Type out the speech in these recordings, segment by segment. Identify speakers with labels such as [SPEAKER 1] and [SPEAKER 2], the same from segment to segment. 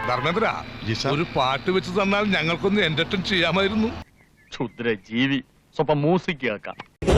[SPEAKER 1] ധർമ്മേന്ദ്ര ഒരു പാട്ട് വെച്ച് തന്നാൽ ഞങ്ങൾക്കൊന്ന് എന്റർടൈൻ ചെയ്യാമായിരുന്നു.
[SPEAKER 2] ക്ഷുദ്ര ജീവി സ്വപ്പം മ്യൂസിക് കേൾക്കാം.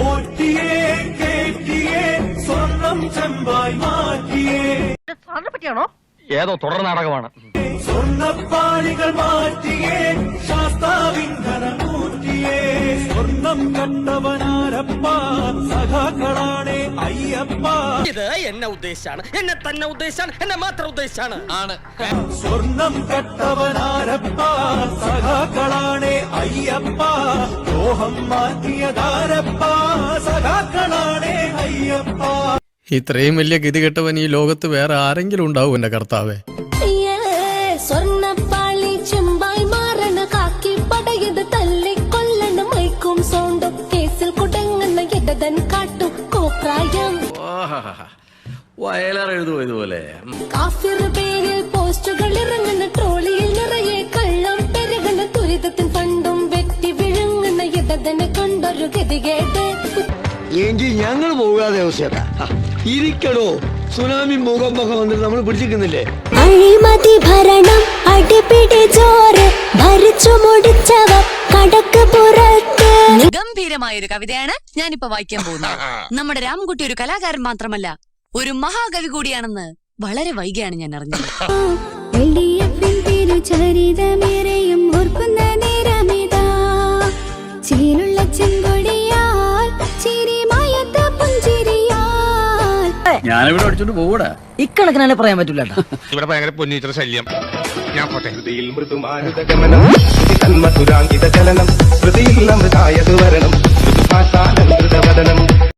[SPEAKER 3] പറ്റിയാണോ?
[SPEAKER 2] ഏതോ തുടർ നാടകമാണ്.
[SPEAKER 4] സ്വർണ്ണപ്പാളികൾ മാറ്റിയേ ശാസ്താവിന്ധനമൂറ്റിയേ സ്വർണം കണ്ടവനാരപ്പ സഖാക്കളാണേ അയ്യപ്പ.
[SPEAKER 3] ഇത് എന്നെ ഉദ്ദേശാണ്, എന്നെ തന്നെ ഉദ്ദേശാണ്, എന്നെ മാത്രം ഉദ്ദേശാണ്.
[SPEAKER 4] സ്വർണം കട്ടവനാരപ്പ സഖാക്കളാണേ അയ്യപ്പ. ലോഹം മാറ്റിയതാരപ്പ സഖാക്കളാണേ അയ്യപ്പ.
[SPEAKER 5] ഇത്രയും വലിയ ഗതികെട്ടവൻ ഈ ലോകത്ത് വേറെ ആരെങ്കിലും ഉണ്ടാവും എന്റെ കർത്താവേ.
[SPEAKER 6] സ്വർണ്ണപ്പാളി ചെമ്പായി മാറണ കാക്കി പടയത് തല്ലിക്കൊല്ലണ മൈക്കും സോണ്ടും കേസിൽ കുടങ്ങുന്ന ഇടതൻ കാട്ടും കോപ്രായം
[SPEAKER 7] വയലാറെഴുതുമോ ഇതുപോലെ?
[SPEAKER 6] കാഫിർ പേരിൽ പോസ്റ്റുകൾ ഇറങ്ങുന്ന ട്രോളിയിൽ നിറയെ കള്ളം പെരുകണ ദുരിതത്തിൻ പണ്ടും വെട്ടി വിഴുങ്ങുന്ന ഇടതനെ കൊണ്ടൊരു ഗതികേട്ട്.
[SPEAKER 8] എങ്കിൽ ഞങ്ങൾ പോകാതെ അവസ്ഥ ഇരിക്കണോ? സുനാമി ഭൂകമ്പൊക്കെ വന്നിട്ട് നമ്മൾ പിടിച്ചിരിക്കുന്നില്ലേ?
[SPEAKER 6] അഴിമതി ഭരണം അടിപിടി ജോറ് ഭരിച്ചു മുടിച്ചവർ കടക്ക് പുറത്ത്.
[SPEAKER 9] ഗംഭീരമായ ഒരു കവിതയാണ് ഞാനിപ്പോ വായിക്കാൻ പോകുന്നത്. നമ്മുടെ രാംകുട്ടി ഒരു കലാകാരൻ മാത്രമല്ല, ഒരു മഹാകവി കൂടിയാണെന്ന് വളരെ വൈകിയാണ് ഞാൻ അറിഞ്ഞത്.
[SPEAKER 6] ചരിതമേറെയും ഓർക്കുന്ന നേരമിതാ ചീനുള്ള ചെങ്കൊടിയാൽ ചിരിമയത്ത പുഞ്ചിരിയാൽ.
[SPEAKER 7] ഞാനിവിടെ അടിച്ചോണ്ട് പോകൂടാ.
[SPEAKER 3] ഇക്കണക്കിനെ പറയാൻ പറ്റൂല.
[SPEAKER 1] ഇവിടെ ഭയങ്കര പൊന്നീറ്റർ ശല്യം. ഞാൻ പോട്ടെ.
[SPEAKER 4] മധുരാങ്കിത ചലനം സ്മൃതിയിൽ അമൃതായത് വരണം.